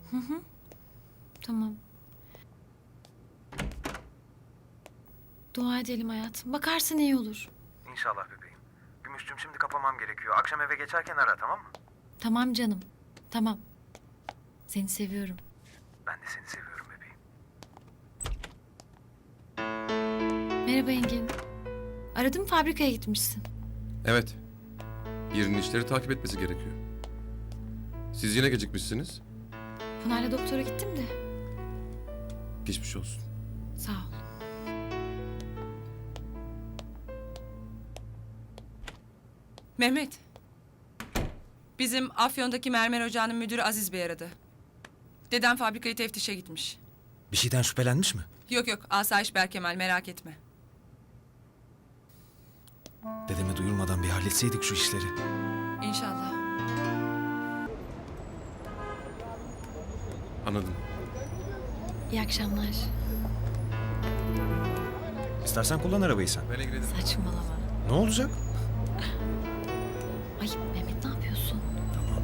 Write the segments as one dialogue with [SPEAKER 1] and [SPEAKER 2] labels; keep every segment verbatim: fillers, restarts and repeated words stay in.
[SPEAKER 1] Hı hı. Tamam. Dua edelim hayatım. Bakarsın iyi olur.
[SPEAKER 2] İnşallah bebeğim. Gümüşcüm şimdi kapamam gerekiyor. Akşam eve geçerken ara, tamam mı?
[SPEAKER 1] Tamam canım. Tamam. Seni seviyorum.
[SPEAKER 2] Ben de seni seviyorum bebeğim.
[SPEAKER 1] Merhaba Engin. Aradım, fabrikaya gitmişsin.
[SPEAKER 3] Evet. Yerinin işleri takip etmesi gerekiyor. Siz yine gecikmişsiniz.
[SPEAKER 1] Pınar'la doktora gittim de.
[SPEAKER 3] Geçmiş olsun.
[SPEAKER 1] Sağ ol.
[SPEAKER 4] Mehmet. Bizim Afyon'daki mermer ocağının müdürü Aziz Bey aradı. Dedem fabrikayı teftişe gitmiş.
[SPEAKER 5] Bir şeyden şüphelenmiş mi?
[SPEAKER 4] Yok yok, asayiş Berkemal, merak etme.
[SPEAKER 5] Dedeme duyurmadan bir halletseydik şu işleri.
[SPEAKER 4] İnşallah.
[SPEAKER 3] Anladım.
[SPEAKER 1] İyi akşamlar.
[SPEAKER 5] İstersen kullan arabayı sen.
[SPEAKER 3] Ben ilgilenirim.
[SPEAKER 1] Saçmalama.
[SPEAKER 5] Ne olacak?
[SPEAKER 1] Ay Mehmet, ne yapıyorsun?
[SPEAKER 5] Tamam.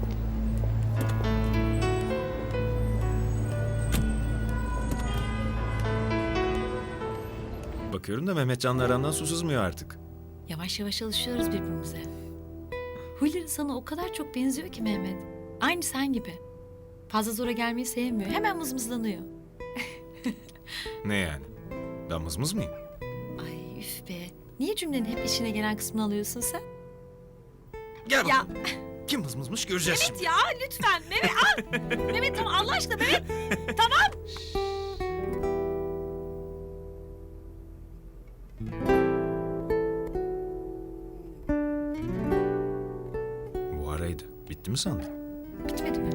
[SPEAKER 5] Bakıyorum da Mehmetcan'la arandan su sızmıyor artık.
[SPEAKER 1] Yavaş yavaş alışıyoruz birbirimize. Huyları sana o kadar çok benziyor ki Mehmet. Aynı sen gibi. Fazla zora gelmeyi sevmiyor. Hemen mızmızlanıyor.
[SPEAKER 5] Ne yani? Ben mızmız mıyım?
[SPEAKER 1] Ay üf be. Niye cümlenin hep işine gelen kısmını alıyorsun sen?
[SPEAKER 5] Gel
[SPEAKER 1] Ya
[SPEAKER 5] bakalım. Kim mızmızmış göreceğiz
[SPEAKER 1] Mehmet
[SPEAKER 5] şimdi.
[SPEAKER 1] ya lütfen. Mehmet al. Mehmet tamam, Allah aşkına Mehmet. Tamam.
[SPEAKER 5] Bu araydı. Bitti mi sandın?
[SPEAKER 1] Bitmedi mi?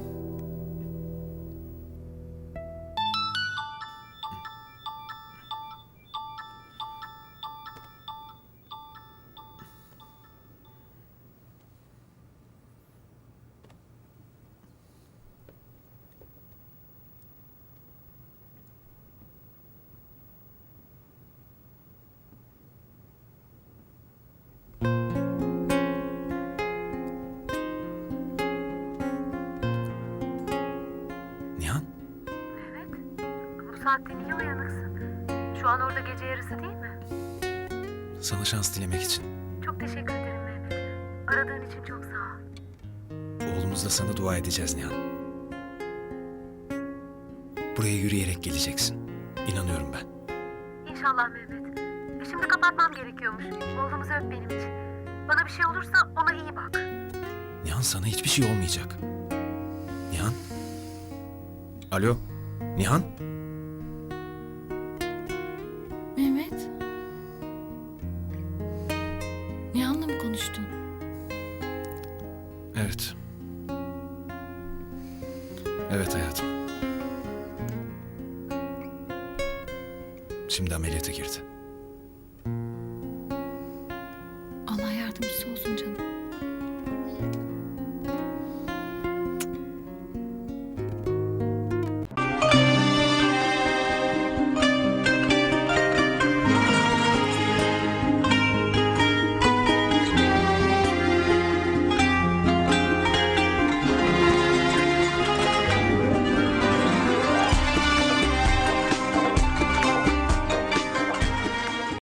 [SPEAKER 5] Nihan?
[SPEAKER 6] Bu saatte niye uyanıksın? Şu an orada gece yarısı değil mi?
[SPEAKER 5] Sana şans dilemek için.
[SPEAKER 6] Çok teşekkür ederim Mehmet. Aradığın için çok sağ ol.
[SPEAKER 5] Oğlumuzla sana dua edeceğiz Nihan. Buraya yürüyerek geleceksin. İnanıyorum ben.
[SPEAKER 6] İnşallah Mehmet. E şimdi kapatmam gerekiyormuş. Oğlumuzu öp benim için. Bana bir şey olursa ona iyi bak.
[SPEAKER 5] Nihan sana hiçbir şey olmayacak. Nihan? Alo? Nihan?
[SPEAKER 1] Mehmet. Nihan'la mı konuştun?
[SPEAKER 5] Evet. Evet hayatım. Şimdi ameliyata girdi.